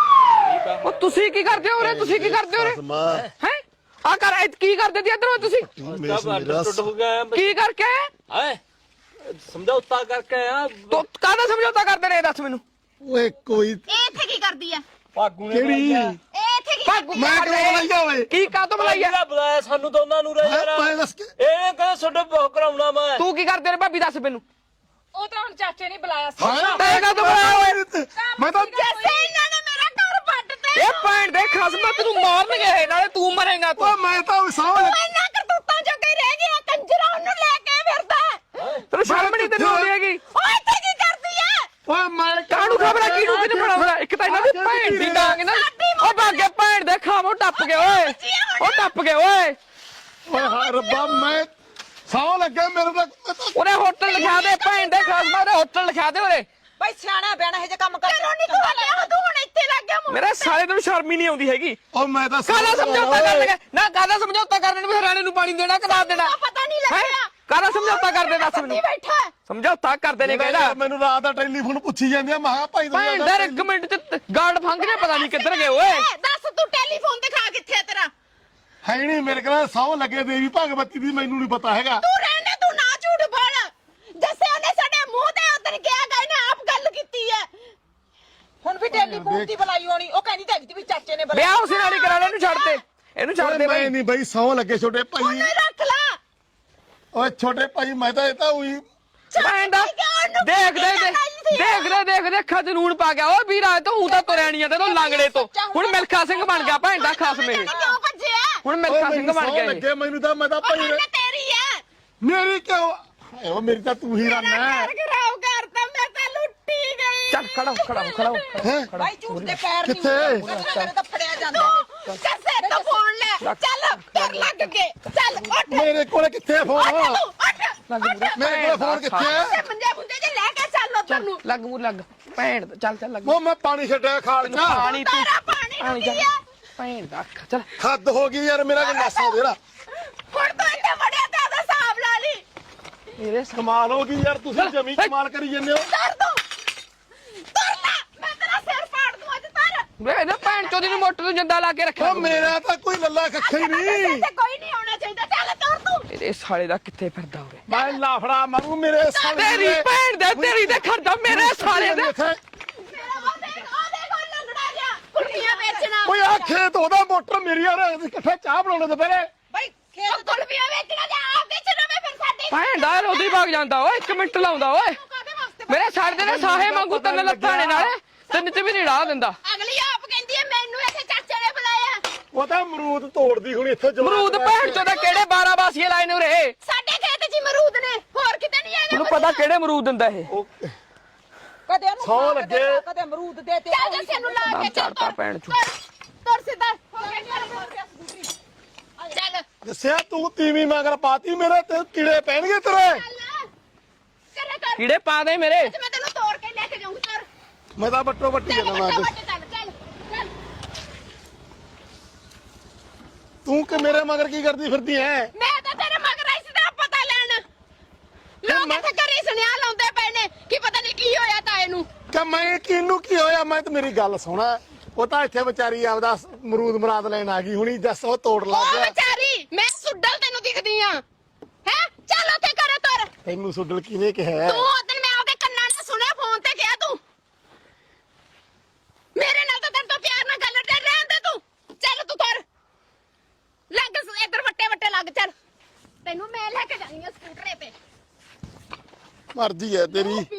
S6: ਆ
S3: ਉਹ ਤੁਸੀਂ ਕੀ ਕਰਦੇ ਹੋ ਰੇ? ਤੁਸੀਂ ਕੀ ਕਰਦੇ ਹੋ ਰੇ?
S1: ਮਾਂ
S3: ਹੈ ਆ ਕਰ ਕੀ ਕਰਦੇ ਤੀ ਇਧਰੋਂ ਤੁਸੀਂ?
S6: ਅੰਡਰਸਟੂਡ ਹੋ ਗਿਆ।
S3: ਕੀ ਕਰਕੇ?
S6: ਹੈ ਸਮਝੌਤਾ ਕਰਕੇ ਆ।
S3: ਤੂੰ ਕਾਹਦਾ ਸਮਝੌਤਾ ਕਰਦੇ ਨੇ? ਦੱਸ ਮੈਨੂੰ।
S1: ਓਏ ਕੋਈ
S4: ਇਹ ਇੱਥੇ ਕੀ ਕਰਦੀ ਹੈ?
S6: ਭਾਗੂ ਨੇ
S1: ਕਿਹੜੀ?
S4: ਇਹ ਇੱਥੇ ਕੀ ਕਰਦੀ
S1: ਮੈਂ ਕਿਉਂ ਬੁਲਾਈਆ ਓਏ?
S3: ਕੀ ਕਾਹਤੋਂ ਬੁਲਾਈਆ?
S6: ਬੁਲਾਇਆ ਬੁਲਾਇਆ ਸਾਨੂੰ ਦੋਨਾਂ ਨੂੰ ਰਹਿ
S1: ਮੈਂ
S6: ਯਾਰ।
S1: ਦੱਸ ਕੇ
S6: ਇਹ ਕਹਿੰਦਾ ਛੋਟਾ ਬਹੁਤ ਕਰਾਉਣਾ ਮੈਂ।
S3: ਤੂੰ ਕੀ ਕਰਦੇ ਰੇ ਭਾਬੀ? ਦੱਸ ਮੈਨੂੰ।
S2: ਉਹ ਤਾਂ ਹੁਣ ਚਾਚੇ ਨੇ ਬੁਲਾਇਆ ਸੀ।
S3: ਤੈਂ ਕਾਹਤੋਂ ਬੁਲਾਇਆ ਓਏ?
S1: ਮੈਂ ਤਾਂ
S4: ਜੈਸੇ ਇਹਨਾਂ ਨੇ ਮੇਰਾ ਘਰ ਪੱਟ
S3: ਇਹ ਭੈਣ ਦੇ ਖਸਮ ਤੈਨੂੰ ਮਾਰਨਗੇ, ਨਾਲੇ ਤੂੰ ਮਰੇਗਾ ਤੂੰ।
S1: ਓਏ ਮੈਂ ਤਾਂ ਸਾਹ
S4: ਇੰਨਾ ਕਰਤੂਤਾਂ ਜੋ ਕੇ ਰਹਿ ਗਿਆ ਕੰਜਰਾ, ਉਹਨੂੰ ਲੈ ਕੇ ਫਿਰਦਾ।
S3: ਤੈਨੂੰ ਸ਼ਰਮ ਨਹੀਂ ਤੈਨੂੰ ਆਉਂਦੀ ਹੈਗੀ?
S4: ਓਏ ਇੱਥੇ ਕੀ ਕਰਦੀ ਹੈ?
S1: ਓਏ ਮੈਂ
S3: ਕਾਹਨੂੰ ਖਬਰ ਆ ਕਿਹਨੂੰ ਕਿਹਨੂੰ ਬਣਾਉਂਦਾ? ਇੱਕ ਤਾਂ ਇਹਨਾਂ ਦੀ ਭੈਣ ਦੀ ਡਾਂਗ ਨਾ ਉਹ ਭਾਗੇ ਭੈਣ ਦੇ ਖਾਵੋ ਟੱਪ ਗਏ ਓਏ। ਉਹ ਟੱਪ ਗਏ ਓਏ।
S1: ਓਏ ਹਾਏ ਰੱਬਾ, ਮੈਂ ਸਾਹ ਲੱਗਾ ਮੇਰੇ ਤਾਂ।
S3: ਉਹਨੇ ਹੋਟਲ ਲਿਖਾ ਦੇ ਭੈਣ ਦੇ ਖਸਮ, ਉਹਨੇ ਹੋਟਲ ਲਿਖਾ ਦੇ ਉਹਨੇ।
S5: ਬਾਈ ਸਿਆਣਾ ਬਿਆਣਾ ਇਹ ਜੇ ਕੰਮ ਕਰ।
S4: ਘਰੋਂ ਨਹੀਂ ਤੂੰ ਹਲਿਆ, ਤੂੰ ਹੁਣ ਇੱਥੇ ਲੱਗ ਗਿਆ।
S3: ਮੇਰੇ ਸਾਲੇ ਤੈਨੂੰ ਸ਼ਰਮ ਹੀ ਨਹੀਂ ਆਉਂਦੀ ਹੈਗੀ।
S1: ਓ ਮੈਂ ਤਾਂ
S3: ਕਾਹਦਾ ਸਮਝੌਤਾ ਕਰਨ ਲੱਗਾ? ਨਾ ਕਾਹਦਾ ਸਮਝੌਤਾ ਕਰਨ ਨੂੰ? ਫਿਰ ਰਾਣੇ ਨੂੰ ਪਾਣੀ ਦੇਣਾ ਕਿ ਨਾ ਦੇਣਾ?
S4: ਪਤਾ ਨਹੀਂ ਲੱਗਿਆ।
S3: ਕਾਹਦਾ ਸਮਝੌਤਾ ਕਰਦੇ? ਦੱਸ ਮੈਨੂੰ।
S4: ਬੈਠਾ ਹੈ।
S3: ਸਮਝੌਤਾ ਕਰਦੇ ਨੇ ਕਹਿੰਦਾ।
S1: ਮੈਨੂੰ ਰਾਤ ਦਾ ਟੈਲੀਫੋਨ ਪੁੱਛੀ ਜਾਂਦੀ ਆ। ਮੈਂ ਕਿਹਾ ਭਾਈ ਤੂੰ
S3: ਭੈਣ ਦਾ 1 ਮਿੰਟ ਚ ਗਾਰਡ ਫੰਗ ਨੇ ਪਤਾ ਨਹੀਂ ਕਿੱਧਰ ਗਏ ਓਏ।
S4: ਦੱਸ ਤੂੰ ਟੈਲੀਫੋਨ ਦਿਖਾ ਕਿੱਥੇ ਹੈ ਤੇਰਾ?
S1: ਹੈ ਨਹੀਂ ਮੇਰੇ ਕੋਲ ਸਾਹ ਲੱਗੇ ਦੇਵੀ ਭਗਵਤੀ ਦੀ, ਮੈਨੂੰ ਨਹੀਂ ਪਤਾ ਹੈਗਾ।
S4: ਤੂੰ ਰਹਿਣ ਦੇ, ਤੂੰ ਨਾ ਝੂਠ ਬੋਲ। ਜੱਸੇ ਉਹਨੇ ਸਾਡੇ ਮੂੰਹ ਤੇ ਉਤਰ ਗਿਆ ਗਾ, ਇਹਨੇ ਆਪ ਗੱਲ ਕੀਤੀ ਹੈ।
S5: ਹੁਣ ਵੀ ਟੈਲੀਫੋਨ ਦੀ ਬੁਲਾਈ ਹੋਣੀ। ਉਹ ਕਹਿੰਦੀ ਤਾਂ ਵੀ ਚਾਚੇ ਨੇ
S3: ਵਿਆਹ ਉਸੇ ਨਾਲ ਹੀ ਕਰਾ ਲੈ। ਇਹਨੂੰ ਛੱਡ ਦੇ, ਇਹਨੂੰ ਛੱਡ ਦੇ
S1: ਮੈਂ
S3: ਬਾਈ।
S1: ਨਹੀਂ ਬਈ ਸਾਹ ਲੱਗੇ ਛੋਟੇ ਭਾਈ।
S4: ਉਹਨੇ ਰੱਖ ਲਾ।
S1: ਓਏ ਛੋਟੇ ਭਾਈ ਮੈਂ ਤਾਂ ਇਹ ਤਾਂ ਉਹੀ
S3: ਭੈਣ ਦਾ ਦੇਖ ਅੱਖਾਂ 'ਚ ਨੂਣ ਪਾ ਗਿਆ। ਓ ਵੀਰਾ ਤੂੰ ਤਾਂ ਤੁਰਿਆ ਨਹੀਂ ਜਾਂਦਾ, ਤੂੰ ਲਾਂਗੜੇ ਤੋਂ ਹੁਣ ਮਿਲਖਾ ਸਿੰਘ ਬਣ ਗਿਆ ਭੈਣ ਦਾ ਖਸਮ ਇਹ।
S4: ਕਿਉਂ ਭੱਜਿਆ?
S3: ਹੁਣ ਮਿਲਖਾ ਸਿੰਘ ਬਣ ਗਿਆ ਇਹ।
S1: ਲੱਗੇ ਮੈਨੂੰ ਤਾਂ। ਮੈਂ ਤਾਂ ਭਾਈ
S4: ਉਹਨੇ ਤੇਰੀ ਹੈ।
S1: ਮੇਰੀ ਕਿਉਂ? ਓ ਮੇਰੀ ਤਾਂ ਤੂੰ ਹੀ ਰੰਨ
S4: ਮੇਰਾ
S1: ਹੈ।
S4: ਘਰ ਖਰਾਬ ਕਰਤਾ, ਮੈਂ ਤਾਂ ਲੁੱਟੀ ਗਈ।
S3: ਚੱਲ ਖੜਾ ਹੋ।
S5: ਬਾਈ ਝੂਠ ਦੇ ਪੈਰ ਨਹੀਂ
S1: ਕਿੱਥੇ?
S5: ਮੇਰੇ ਤਾਂ ਫੜਿਆ ਜਾਂਦਾ।
S4: ਜੱਸੇ ਤੋਂ ਫੋਨ ਲੈ। ਚੱਲ ਤੇਰ ਲੱਗ ਕੇ। ਚੱਲ ਉੱਠ।
S1: ਮੇਰੇ ਕੋਲ ਕਿੱਥੇ ਫੋਨ?
S4: ਉੱਠ ਤੂੰ, ਉੱਠ।
S1: ਮੇਰੇ ਕੋਲ ਫੋਨ ਕਿੱਥੇ ਹੈ?
S4: ਤੇ ਮੰਜੇ ਮੁੰਜੇ ਜੇ ਲੈ ਕੇ ਚੱਲ ਉੱਧਰ ਨੂੰ।
S3: ਲੱਗ ਮੂਰ ਲੱਗ ਭੈਣ ਦਾ। ਚੱਲ ਲੱਗ।
S1: ਉਹ ਮੈਂ ਪਾਣੀ ਛੱਡਿਆ ਖਾਲ ਚ।
S3: ਪਾਣੀ ਤੂੰ
S4: ਤਾਰਾ ਪਾਣੀ
S3: ਪਾਣੀ
S4: ਡੁੱਬੀ
S3: ਚੱਲ
S4: ਹੈ।
S3: ਭੈਣ ਦਾ ਅੱਖ। ਚੱਲ
S1: ਹੱਦ ਹੋ ਗਈ ਯਾਰ, ਮੇਰਾ ਗੰਡਾਸਾ ਦੇਰਾ।
S4: ਹੁਣ ਤੂੰ ਇੱਥੇ ਵੜਿਆ ਤੇ ਉਹਦਾ ਹਿਸਾਬ ਲਾ ਲਈ।
S3: ਮੇਰੇ
S1: ਕਮਾਲ ਹੋ ਗਈ ਯਾਰ, ਤੁਸੀਂ ਜਮੀ ਕਮਾਲ ਕਰੀ ਜੰਨੇ ਹੋ।
S4: ਤੁਰ ਤੂੰ। ਤੁਰ ਲੈ, ਮੈਂ ਤੇਰਾ ਸਿਰ ਪਾੜ ਦੂੰ ਅੱਜ ਤਰ।
S3: ਵੇ ਇਹਨੇ ਭੈਣ ਚੋਦੀ ਨੂੰ ਮੋਟਰ ਨੂੰ ਜੰਦਾ ਲਾ ਕੇ ਰੱਖਿਆ।
S1: ਓ ਮੇਰਾ ਤਾਂ ਕੋਈ ਲੱਲਾ ਕੱਖਾ ਹੀ ਨਹੀਂ।
S4: ਇੱਥੇ ਕੋਈ ਨਹੀਂ ਆਉਣਾ ਚਾਹੀਦਾ। ਚੱਲ ਤੁਰ ਤੂੰ।
S3: ਇਹਦੇ ਸਾਲੇ ਦਾ ਕਿੱਥੇ ਫਿਰਦਾ ਹੋਵੇ?
S1: ਮੈਂ ਲਾਫੜਾ ਮਾਰੂ ਮੇਰੇ ਸਾਲੇ
S3: ਤੇਰੀ ਭੈਣ ਦੇ ਤੇਰੀ ਤੇ ਖੜਦਾ ਮੇਰੇ ਸਾਲੇ ਦੇ।
S4: ਮੇਰਾ ਉਹ ਦੇਖ ਉਹ ਲੰਗੜਾ ਜਾ। ਕੁੜੀਆਂ ਵੇਚਣਾ।
S1: ਓਏ ਆ ਖੇਤ ਉਹਦਾ ਮੋਟਰ ਮੇਰੀ ਯਾਰ, ਇਕੱਠੇ ਚਾਹ ਬਣਾਉਣੇ ਤੋਂ ਪਹਿਲੇ।
S5: ਬਾਈ
S4: ਉਹ
S5: ਖੇਤ
S4: ਕੁਲਵੀਆਂ ਵੇਚਣਾ ਜਾਂ ਆਪ ਵੇਚਣਾ। ਮੈਂ ਫਿਰ ਸਾਡੀ
S3: ਭੈਣ ਦਾ ਰੋਦੀ ਭਾਗ ਜਾਂਦਾ ਓਏ। 1 ਮਿੰਟ ਲਾਉਂਦਾ ਓਏ।
S4: ਕਾਹਦੇ ਵਾਸਤੇ?
S3: ਮੇਰੇ ਛੱਡ ਦੇ ਨਾ ਸਾਹੇ ਵਾਂਗੂ 3 ਲੱਤਾਂ ਨੇ ਨਾਲੇ 3 ਚ ਵੀ ਨਹੀਂ ਰਾਹ ਦਿੰਦਾ।
S4: ਅਗਲੀ ਆਪ ਕਹਿੰਦੀ ਹੈ ਮੈਨੂੰ ਇੱਥੇ ਚਾਚੇ ਨੇ ਬੁਲਾਇਆ।
S1: ਉਹ ਤਾਂ ਅਮਰੂਦ ਤੋੜਦੀ ਹੁਣ ਇੱਥੇ ਜਵਾਨ
S3: ਅਮਰੂਦ ਭੈਣ ਚੋਂ ਦਾ ਕਿਹੜੇ 12 ਬਾਸੀਏ ਲਾਏ ਨੇ ਉਰੇ?
S4: ਸਾਡੇ ਖੇਤ 'ਚ ਅਮਰੂਦ ਨੇ, ਹੋਰ ਕਿਤੇ ਨਹੀਂ ਹੈਗੇ।
S3: ਤੈਨੂੰ ਪਤਾ ਕਿਹੜੇ ਅਮਰੂਦ ਦਿੰਦਾ ਇਹ?
S5: ਕਦੇ ਉਹਨੂੰ
S1: ਸੌ
S5: ਖਾ ਕੇ
S1: ਲੱਗੇ।
S5: ਦੇ, ਕਦੇ ਅਮਰੂਦ ਦੇ ਤੇ
S4: ਚੱਲ ਜੱਸੇ ਨੂੰ ਲਾ ਕੇ ਚੱਲ
S3: ਚੜਤਾ ਭੈਣ ਚੋਂ।
S4: ਤੁਰ ਸਿੱਧਾ ਹੋ ਗਿਆ। ਚੱਲ
S1: ਦੱਸਿਆ ਤੂੰ ਤੀਵੀਂ ਮਗਰ ਪਾਤੀ, ਮੇਰੇ ਤੇ ਕੀੜੇ ਪੈਣਗੇ ਤੇਰੇ।
S4: ਕਰੇ ਕਰ।
S3: ਕੀੜੇ ਪਾ ਦੇ ਮੇਰੇ।
S4: ਮੈਂ ਤੈਨੂੰ ਤੋੜ ਕੇ ਲੈ ਕੇ ਜਾਊਂ। ਤੁਰ
S1: ਮੈਂ ਤਾਂ ਬੱਟੋ ਬੱਟੀ
S4: ਚੱਲ
S1: ਜਾਣਾ
S4: ਬੱਟਾ
S1: ਅੱਜ।
S4: ਬੱਟਾ ਚੱਲ ਚੱਲ।
S1: ਤੂੰ ਕਿ ਮੇਰੇ ਮਗਰ ਕੀ ਕਰਦੀ ਫਿਰਦੀ ਐ?
S4: ਮੈਂ ਤਾਂ ਤੇਰੇ ਮਗਰ ਆਈ ਸੀ ਤੇਰਾ ਪਤਾ ਲੈਣ। ਲੋਕ ਇੱਥੇ ਘਰੇ ਸੁਨੇਹਾ ਲਾਉਂਦੇ ਪਏ ਨੇ ਕਿ ਪਤਾ ਨਹੀਂ ਕੀ ਹੋਇਆ ਤਾਏ ਨੂੰ।
S1: ਕਿ ਮੈਂ ਕਿਹਨੂੰ ਕੀ ਹੋਇਆ? ਮੈਂ ਤਾਂ ਮੇਰੀ ਗੱਲ ਸੁਣਾ, ਉਹ ਤਾਂ ਇੱਥੇ ਵਿਚਾਰੀ ਆਪਦਾ ਮਰੂਦ ਮਰਾਦ ਲੈਣ ਆ ਗਈ ਹੁਣੀ, ਦੱਸ ਉਹ ਤੋੜ ਲੱਗ
S4: ਉਹ
S1: ਗਿਆ।
S4: ਵਿਚਾਰੀ ਮੈਂ ਸੁੱਡਲ ਤੈਨੂੰ ਦਿਖਦੀ ਆ ਹੈ? ਚੱਲ ਉੱਥੇ ਘਰੇ ਤੁਰ।
S1: ਤੈਨੂੰ ਸੁੱਡਲ ਕਿਹਨੇ ਕਿਹਾ?
S4: ਤੂੰ ਉਦੋਂ ਮੈਂ ਉਹਦੇ ਕੰਨਾਂ ਨਾਲ ਸੁਣਿਆ, ਫੋਨ ਤੇ ਕਿਹਾ ਤੂੰ ਮੇਰੇ ਨਾਲ ਤਾਂ ਤੇਰੇ ਤੋਂ ਪਿਆਰ ਨਾਲ ਗੱਲ ਕਰ ਰਹਿਣ ਦੇ ਤੂੰ। ਚੱਲ ਤੂੰ ਤੁਰ, ਲੱਗ ਇੱਧਰ ਵੱਟੇ ਵੱਟੇ ਲੱਗ। ਚੱਲ ਤੈਨੂੰ ਮੈਂ ਲੈ ਕੇ ਜਾਣੀ ਆ ਸਕੂਟਰੇ ਤੇ।
S1: ਮਰਜ਼ੀ ਹੈ ਤੇਰੀ।